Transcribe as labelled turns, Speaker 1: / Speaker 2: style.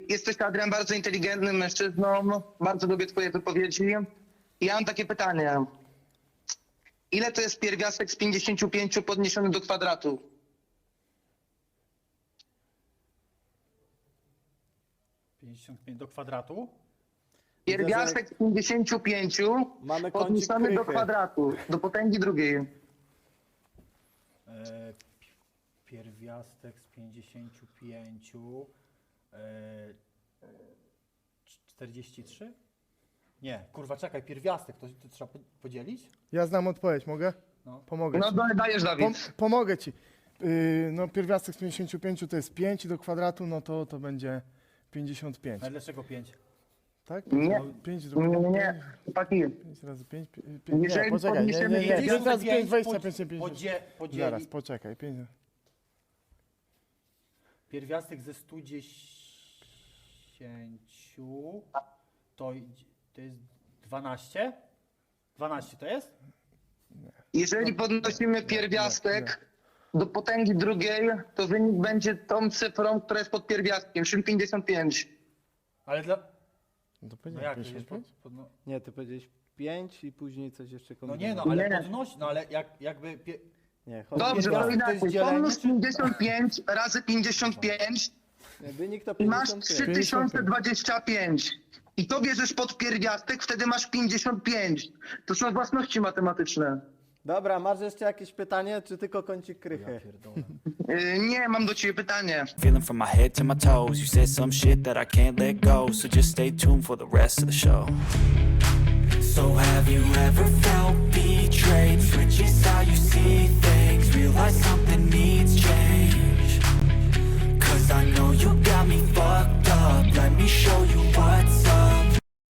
Speaker 1: Jesteś, Adrian, bardzo inteligentnym mężczyzną. Bardzo lubię twoje wypowiedzi. Ja mam takie pytanie. Ile to jest pierwiastek z 55 podniesiony do kwadratu?
Speaker 2: Do kwadratu.
Speaker 1: Pierwiastek z 55
Speaker 3: Mamy kącik
Speaker 1: podniesiony do
Speaker 3: krychy.
Speaker 1: kwadratu, do potęgi drugiej.
Speaker 2: Pierwiastek z 55. 43? Nie, kurwa, czekaj, pierwiastek, to trzeba podzielić?
Speaker 4: Ja znam odpowiedź, mogę?
Speaker 2: No.
Speaker 4: Pomogę
Speaker 1: No
Speaker 4: ci.
Speaker 1: dajesz, Dawid.
Speaker 4: Pomogę ci. No pierwiastek z 55 to jest 5 do kwadratu, no to będzie 55.
Speaker 2: Ale dlaczego 5?
Speaker 4: Tak?
Speaker 1: Nie.
Speaker 4: 5
Speaker 1: Nie, chłopaki.
Speaker 4: 5 razy 5,
Speaker 1: Jeżeli
Speaker 4: nie, poczekaj, nie,
Speaker 1: podniesiemy
Speaker 4: 5 razy 5, 25,
Speaker 2: Podzieli.
Speaker 4: Zaraz, poczekaj, 5.
Speaker 2: Pierwiastek ze 110 to jest 12? 12 to jest?
Speaker 1: Jeżeli podnosimy pierwiastek do potęgi drugiej, to wynik będzie tą cyfrą, która jest pod pierwiastkiem, czyli 55.
Speaker 2: Ale dla...
Speaker 4: No to
Speaker 2: No
Speaker 4: powiedziałem
Speaker 2: jak to jest?
Speaker 4: 55?
Speaker 3: Nie, ty powiedziałeś 5 i później coś jeszcze
Speaker 2: No nie, no
Speaker 3: kombinowałeś.
Speaker 2: ale
Speaker 1: Nie.
Speaker 2: podnosi, no ale jakby...
Speaker 3: Nie, chodź.
Speaker 1: Dobrze, to
Speaker 2: pierwiastek to jest
Speaker 1: inaczej.
Speaker 2: dzielenie,
Speaker 1: Pomnóż
Speaker 2: czy-
Speaker 1: 55 razy 55
Speaker 3: Wynik to
Speaker 1: i masz
Speaker 3: 55.
Speaker 1: 3025. I to bierzesz pod pierwiastek, wtedy masz 55. To są własności matematyczne.
Speaker 3: Dobra, masz jeszcze jakieś pytanie, czy tylko kącik krychy?
Speaker 1: Nie, mam do ciebie pytanie.
Speaker 5: Feeling from my head to my toes. You said some shit that I can't let go. So just stay tuned for the rest of the show. So have you ever felt betrayed? Switches how you see things. Realize something needs change. 'Cause I know you got me fucked